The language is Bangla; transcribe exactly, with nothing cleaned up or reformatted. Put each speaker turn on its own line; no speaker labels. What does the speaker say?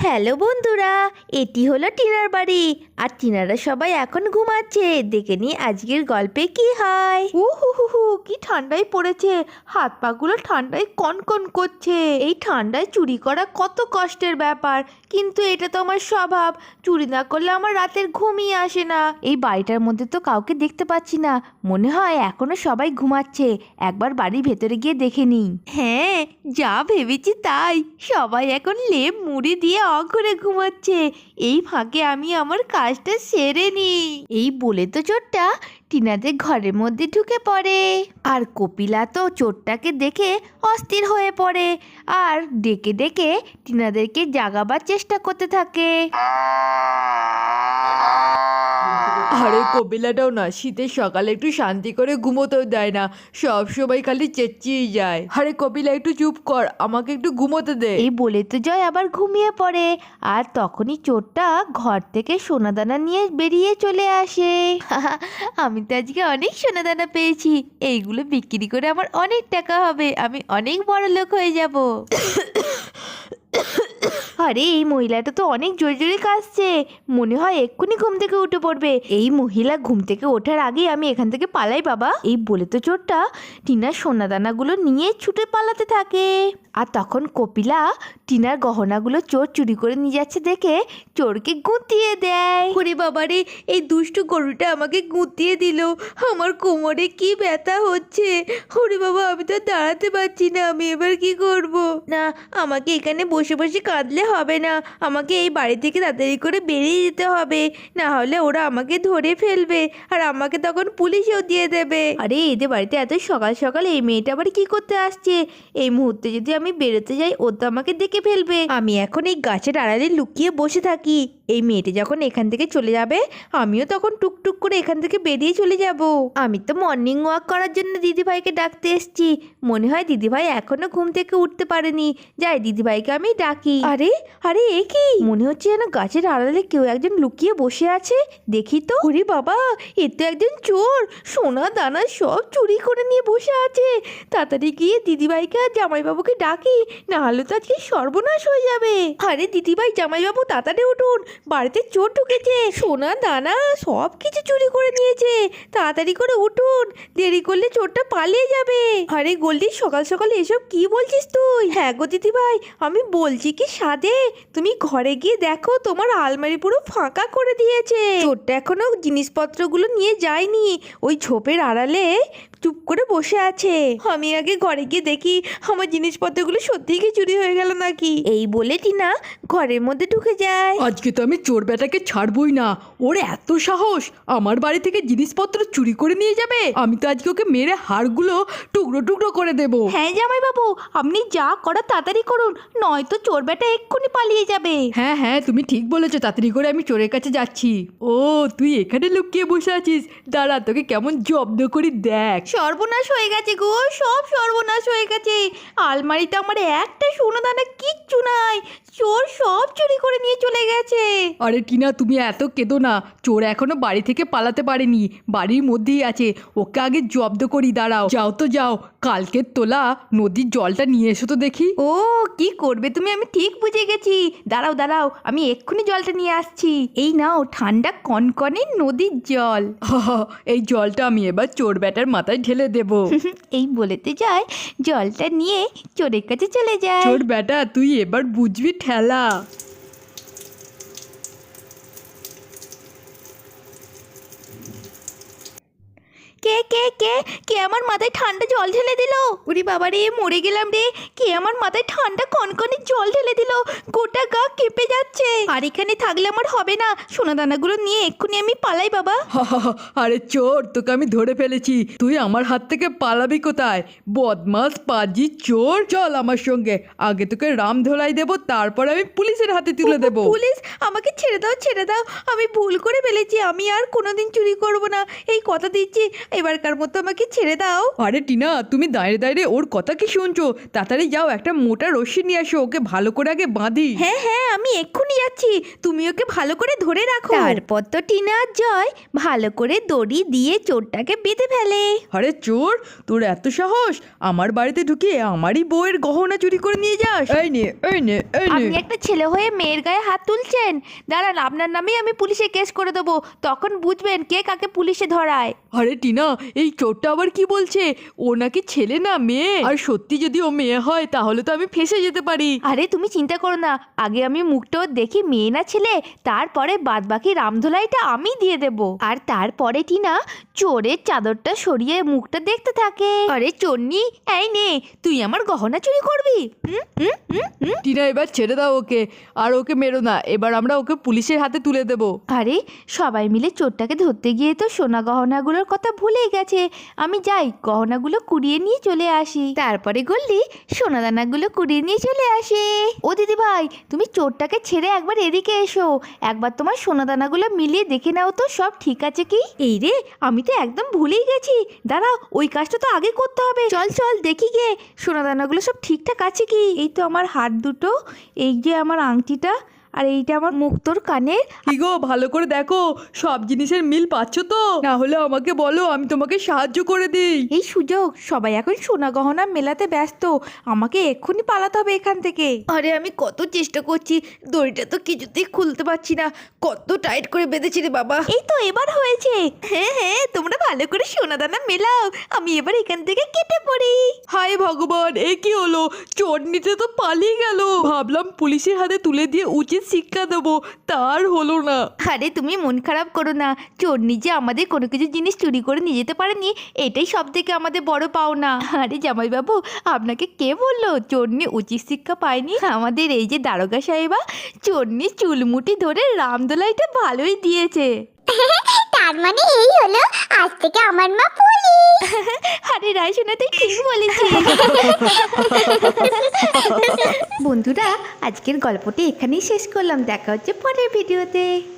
হ্যালো বন্ধুরা, এটি হলো টিনার বাড়ি। আর টিনারা সবাই এখন ঘুমাচ্ছে। দেখে নি আজকের গল্পে কি হয়। উ হু হু হু, কি ঠান্ডায় পড়েছে, হাত পাগুলো ঠান্ডায় কনকন করছে। এই ঠান্ডায় চুরি করা কত কষ্টের ব্যাপার, কিন্তু এটা তো আমার স্বভাব। চুরি না করলে আমার রাতের ঘুমই আসে না। এই বাড়িটার মধ্যে তো কাউকে দেখতে পাচ্ছি না, মনে হয় এখনো সবাই ঘুমাচ্ছে। একবার বাড়ির ভেতরে গিয়ে দেখে নিই। হ্যাঁ, যা ভেবেছি তাই, সবাই এখন লেপ মুড়ি দিয়ে অঘরে ঘুমাচ্ছে। এই ফাঁকে আমি আমার কাজটা সেরে নিই। এই বলে তো চোরটা টিনাদের ঘরের মধ্যে ঢুকে পড়ে। আর কপিলা তো চোরটাকে দেখে অস্থির হয়ে পড়ে আর ডেকে ডেকে টিনাদেরকে জাগাবার চেষ্টা করতে থাকে।
আরে কপিলাটাও না শীতের সকালে একটু শান্তি করে ঘুমোতেও দেয় না, সব সময় খালি চেঁচিয়ে যায়। আরে কপিলা একটু চুপ কর, আমাকে একটু ঘুমোতে দে।
এই বলে তো জয় আবার ঘুমিয়ে পড়ে। আর তখনই চোরটা ঘর থেকে সোনাদানা নিয়ে বেরিয়ে চলে আসে। আমি তো আজকে অনেক সোনাদানা পেয়েছি, এইগুলো বিক্রি করে আমার অনেক টাকা হবে, আমি অনেক বড় লোক হয়ে যাব। আরে এই মহিলাটা তো অনেক জোরে জোরে কাশছে, মনে হয় এক্ষুনি ঘুম থেকে উঠে পড়বে। এই মহিলা ঘুম থেকে ওঠার আগেই আমি এখান থেকে পালাই বাবা। এই বলে তো চোরটা টিনার সোনাদানাগুলো নিয়ে ছুটে পালাতে থাকে। আর তখন কপিলা টিনার গহনাগুলো চোর চুরি করে নিয়ে যাচ্ছে দেখে চোরকে গুঁতিয়ে দেয়। ওরে বাবারে, এই দুষ্টু গরুটা আমাকে গুঁতিয়ে দিল, আমার কোমরে কি ব্যথা হচ্ছে। ওরে বাবা, আমি তো দাঁড়াতে পারছি না, আমি এবার কি করব? না, আমাকে এখানে বসে বসে কাঁদলে হবে না, আমাকে এই বাড়ি থেকে তাড়াতাড়ি করে বেরিয়ে যেতে হবে, না হলে ওরা আমাকে ধরে ফেলবে আর আমাকে তখন পুলিশেও দিয়ে দেবে। আরে এদের বাড়িতে এত সকাল সকাল এই মেয়েটা আবার কি করতে আসছে? এই মুহূর্তে যদি আমি বেরোতে যাই ও তো আমাকে দেখে ফেলবে। আমি এখন এই গাছের আড়ালে লুকিয়ে বসে থাকি, এই মেয়েটি যখন এখান থেকে চলে যাবে আমিও তখন টুকটুক করে এখান থেকে বেরিয়ে চলে যাব। আমি তো মর্নিং ওয়াক করার জন্য দিদিভাইকে ডাকতে এসেছি, মনে হয় দিদিভাই এখনো ঘুম থেকে উঠতে পারেনি, যাই দিদিভাইকে আমি ডাকি। আরে আরে এ কি, মনে হচ্ছে যেন গাছের আড়ালে কেউ একজন লুকিয়ে বসে আছে, দেখি তো। ওরে বাবা, এ তো একজন চোর, সোনা দানা সব চুরি করে নিয়ে বসে আছে। তাড়াতাড়ি গিয়ে দিদিভাইকে আর জামাইবাবুকে ডাকি, না হলে তো আজকে সর্বনাশ হয়ে যাবে। আরে দিদিভাই জামাইবাবু তাড়াতাড়ি উঠুন, বাড়িতে চোর ঢুকেছে, সোনা দানা সব কিছু চুরি করে নিয়েছে, তাড়াতাড়ি করে উঠুন, দেরি করলে চোরটা পালিয়ে যাবে। আরে গোল্ডি, সকাল সকাল এসব কি বলছিস তুই? হ্যাঁ গো দিদিভাই, আমি বলছি কি সাধে, তুমি ঘরে গিয়ে দেখো তোমার আলমারি পুরো ফাঁকা করে দিয়েছে। চোরটা এখনো জিনিসপত্রগুলো নিয়ে যায়নি, ওই ঝোপের আড়ালে চুপ করে বসে আছে। আমি আগে ঘরে গিয়ে দেখি আমার জিনিসপত্রগুলো সত্যিই কি চুরি হয়ে গেল নাকি। এই বলে টিনা ঘরের মধ্যে ঢুকে যায়।
আজকে তো আমি চোর বেটাকে ছাড়বই না, ওর এত সাহস আমার বাড়ি থেকে জিনিসপত্র চুরি করে নিয়ে যাবে। আমি তো আজকে ওকে মেরে হাড়গুলো টুকরো টুকরো করে দেব।
হ্যাঁ জামাইবাবু, আপনি যা করার তাড়াতাড়ি করুন, নয়তো চোর বেটা এক্ষুনি পালিয়ে যাবে।
হ্যাঁ হ্যাঁ, তুমি ঠিক বলেছো, তাড়াতাড়ি করে আমি চোরের কাছে যাচ্ছি। ও তুই এখানে লুকিয়ে বসে আছিস, দাঁড়া তোকে কেমন জব্দ করি দেখ।
সর্বনাশ হয়ে গেছে গো, সব সর্বনাশ হয়ে গেছে। আলমারিতে আমার একটা সোনা দানা কিচ্ছু নাই, চোর সব চুরি করে নিয়ে চলে গেছে।
আরে টিনা, তুমি এত কেঁদো না, চোর এখনো বাড়ি থেকে পালাতে পারেনি, বাড়ির মধ্যেই আছে, ওকে আগে জব্দ করি। দাঁড়াও, যাও তো যাও, কালকের তোলা নদীর জলটা নিয়ে এসো তো দেখি।
ও কি করবে তুমি, আমি ঠিক বুঝে গেছি, দাঁড়াও দাঁড়াও, আমি এক্ষুনি জলটা নিয়ে আসছি। এই নাও ঠান্ডা কনকনে নদীর জল।
এই জলটা আমি এবার চোর ব্যাটার মাথায় ঢেলে দেব।
এই বলেতে যায় জলটা নিয়ে চোরের কাছে চলে যায়।
চোর ব্যাটা, তুই এবার বুঝবি ঠেলা।
কে কে কে কে আমার মাথায় ঠান্ডা জল ঢেলে দিল? ওরে বাবা রে, মরে গেলাম রে, কে আমার মাথায় ঠান্ডা কনকনে জল ঢেলে দিল? গোটা গা কেঁপে যাচ্ছে। আর এখানে থাকলে আমার হবে না, সোনাদানাগুলো নিয়ে এক্ষুনি আমি পালাই বাবা।
আরে চোর, তোকে আমি ধরে ফেলেছি, তুই আমার হাত থেকে পালাবি কোথায়? বদমাস পাজি চোর, চল আমার সঙ্গে, আগে তোকে রাম ধোলাই দেবো, তারপর আমি পুলিশের হাতে তুলে দেবো।
পুলিশ? আমাকে ছেড়ে দাও ছেড়ে দাও, আমি ভুল করে ফেলেছি, আমি আর কোনোদিন চুরি করব না, এই কথা দিচ্ছি। এবারকার মতো আমাকে ছেড়ে দাও।
আরে টিনা, তুমি দাঁড়িয়ে দাঁড়িয়ে ওর কথা কি শুনছো? তাড়াতাড়ি যাও, একটা মোটা রশ্মি নিয়ে আসো, ওকে ভালো করে আগে বাঁধি।
হ্যাঁ হ্যাঁ আমি এক্ষুনি যাচ্ছি, তুমি ওকে ভালো করে ধরে রাখো। তারপর তো টিনা আর জয় ভালো করে দড়ি দিয়ে চোরটাকে বেঁধে ফেলে।
আরে চোর, তোর এত সাহস আমার বাড়িতে ঢুকে আমারই বউয়ের গহনা চুরি করে নিয়ে যাস? এই নে এই নে এই নে।
আপনি একটা ছেলে হয়ে মেয়ের গায়ে হাত তুলছেন? দাঁড়ান, আপনার নামেই আমি পুলিশে কেস করে দেবো, তখন বুঝবেন কে কাকে পুলিশে ধরায়।
আরে টিনা, এই চোরটা আবার কি বলছে? ও নাকি ছেলে না মেয়ে, আর সত্যি যদি ও মেয়ে হয় তাহলে তো আমি ফেঁসে যেতে পারি।
আরে তুমি চিন্তা করো না, আগে আমি মুখটাও দেখি মেয়ে না ছেলে, তারপরে বাদ বাকি রামধোলাইটা আমি দিয়ে দেব। আর তারপরে টিনা চোরের চাদরটা সরিয়ে মুখটা দেখতে থাকে। আরে চোরনি, এই নে, তুই আমার গহনা চুরি করবি? হুম হুম হুম হুম।
টিনা, এবার ছেড়ে দাও ওকে, আর ওকে মেরো না, এবার আমরা ওকে পুলিশের হাতে তুলে দেব।
আরে সবাই মিলে চোরটাকে ধরতে গিয়ে তো সোনা গহনাগুলোর কথা ভুলেই গেছে। আমি যাই গহনাগুলো কুড়িয়ে নিয়ে চলে আসি। তারপরে গল্লি সোনা দানাগুলো কুড়িয়ে নিয়ে চলে আসে। ও দিদি ভাই, তুমি চোরটাকে ছেড়ে একবার এদিকে এসো, একবার তোমার সোনা দানাগুলো মিলিয়ে দেখে নাও তো সব ঠিক আছে কি। এই রে, আমি তো একদম ভুলেই গেছি, দাঁড়া ওই কাজটা তো আগে করতে হবে। চল চল দেখি গে সোনা দানাগুলো সব ঠিকঠাক আছে কি। এই তো আমার হাত দুটো, এই যে আমার আংটিটা, আর এইটা আমার মুক্তোর কানের।
কি গো, ভালো করে দেখো সব জিনিসের মিল পাচ্ছ তো? না হলে আমাকে বলো, আমি তোমাকে সাহায্য করে দিই।
এই সুযোগ, সবাই এখন সোনা গহনা মেলাতে ব্যস্ত, আমাকে এক্ষুনি পালাতে হবে এখান থেকে। আরে আমি কত চেষ্টা করছি, দড়িটা তো কিছুতেই খুলতে পারছি না, কত টাইট করে বেঁধেছি রে বাবা। এই তো এবার হয়েছে। হ্যাঁ হ্যাঁ, তোমরা ভালো করে সোনা দানা মেলাও, আমি এবার এখান থেকে কেটে পড়ি।
হায় ভগবান, এ কি হলো? চোর নিতে তো পালিয়ে গেল। ভাবলাম পুলিশের হাতে তুলে দিয়ে উচিত শিক্ষা দেবো, তার হলো না।
আরে তুমি মন খারাপ করো না, চোর নিজে আমাদের কোনো কিছু জিনিস চুরি করে নিয়ে যেতে পারেনি, এটাই সব থেকে আমাদের বড় পাওনা। আরে জামাইবাবু, আপনাকে কে বললো চোরনি উচিত শিক্ষা পায়নি? আমাদের এই যে দারোগা সাহেবা চোরনি চুলমুটি ধরে রামদোলাইটা ভালোই দিয়েছে।
তার মানে এই হলো আজ থেকে আমার মা পুলিশ।
আরে রায়সোনা, তুই ঠিক বলেছিস। বন্ধুরা, আজকের গল্পটি এখানেই শেষ করলাম, দেখা হচ্ছে পরের ভিডিওতে।